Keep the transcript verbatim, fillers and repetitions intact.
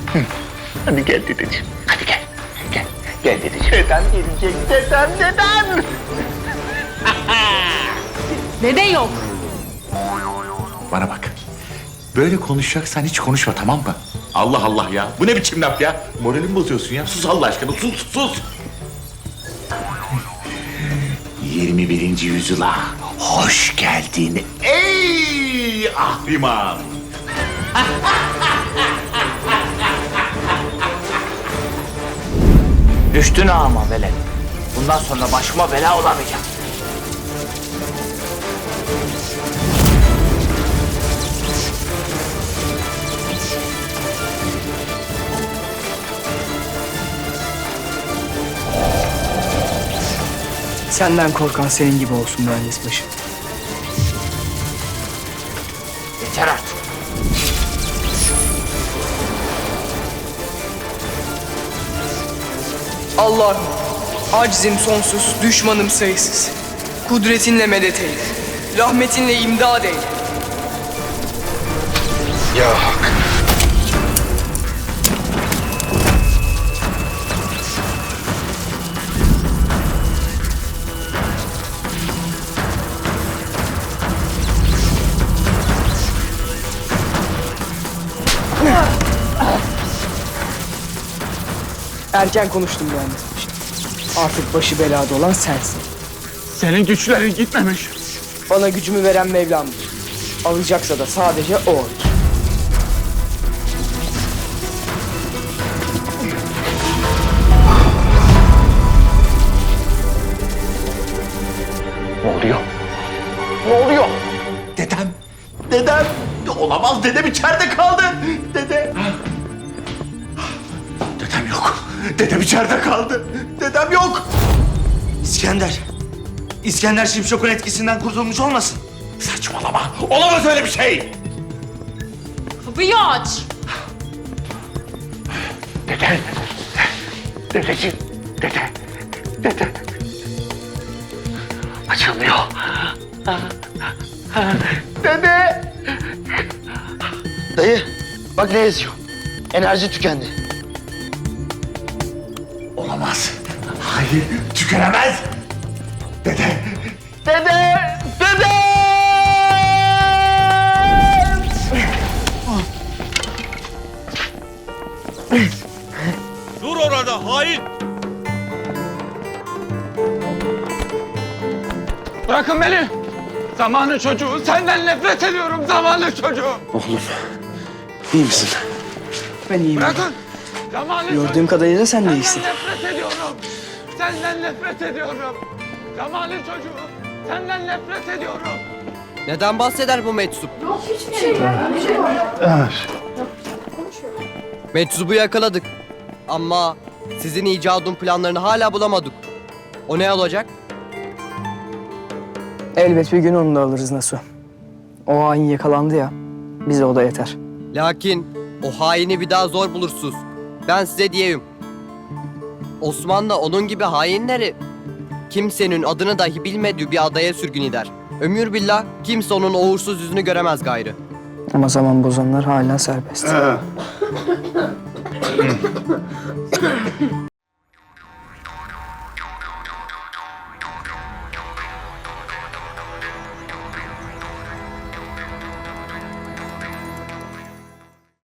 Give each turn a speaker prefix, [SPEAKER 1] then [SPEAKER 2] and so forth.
[SPEAKER 1] Hadi gel dedeciğim. Hadi gel. Gel. Gel dedeciğim. Dedem gelecek. Dedem, dedem.
[SPEAKER 2] Dede yok.
[SPEAKER 3] Bana bak. Böyle konuşacaksan hiç konuşma, tamam mı? Allah Allah ya. Bu ne biçim laf ya? Moralimi bozuyorsun ya. Sus Allah aşkına. Sus, sus. yirmi birinci yüzyıla hoş geldin ey ahriman.
[SPEAKER 1] Düştün ama velet. Bundan sonra başıma bela olamayacak.
[SPEAKER 4] Senden korkan senin gibi olsun mühendis başı.
[SPEAKER 1] Yeter artık.
[SPEAKER 4] Allah'ım, acizim sonsuz, düşmanım sayısız. Kudretinle medet eyle, rahmetinle imdad eyle.
[SPEAKER 1] Ya hak.
[SPEAKER 4] Erken konuştum mühendis başı. Artık başı belada olan sensin.
[SPEAKER 5] Senin güçlerin gitmemiş.
[SPEAKER 4] Bana gücümü veren Mevlam'dır. Alacaksa da sadece o alır.
[SPEAKER 1] Ne oluyor? Ne oluyor?
[SPEAKER 3] Dedem, dedem. Olamaz, dedem içeride kaldı. Dede. Dedem yok. Dedem içeride kaldı. Dedem yok.
[SPEAKER 6] İskender. İskender Şimşok'un etkisinden kurtulmuş olmasın?
[SPEAKER 3] Saçmalama. Olamaz öyle bir şey.
[SPEAKER 2] Kapıyı aç.
[SPEAKER 1] Dede. Dedeciğim. Dede. Dede. Açılmıyor. Dede.
[SPEAKER 6] Dayı, bak ne yazıyor. Enerji tükendi.
[SPEAKER 3] Olamaz. Hayır, tükenemez. Dede.
[SPEAKER 1] Dede. Dede.
[SPEAKER 5] Dur orada hain! Bırakın beni! Zamanı çocuğu, senden nefret ediyorum zamanı çocuğu!
[SPEAKER 6] Oğlum, iyi misin?
[SPEAKER 4] Ben iyiyim.
[SPEAKER 5] Bırakın! Zamanı
[SPEAKER 4] Gördüğüm
[SPEAKER 5] çocuğu,
[SPEAKER 4] kadarıyla sen de
[SPEAKER 5] senden
[SPEAKER 4] iyisin.
[SPEAKER 5] nefret ediyorum! Senden nefret ediyorum! Zamanı çocuğu, senden nefret ediyorum!
[SPEAKER 7] Neden bahseder bu meczup? Meczubu yakaladık. Ama sizin icadın planlarını hala bulamadık. O ne olacak?
[SPEAKER 4] Elbet bir gün onu da alırız Nasu. O hain yakalandı ya, bize o da yeter.
[SPEAKER 7] Lakin o haini bir daha zor bulursunuz. Ben size diyeyim. Osmanlı onun gibi hainleri kimsenin adını dahi bilmediği bir adaya sürgün eder. Ömür billah kimse onun o uğursuz yüzünü göremez gayrı.
[SPEAKER 4] Ama zaman bozanlar hala serbest.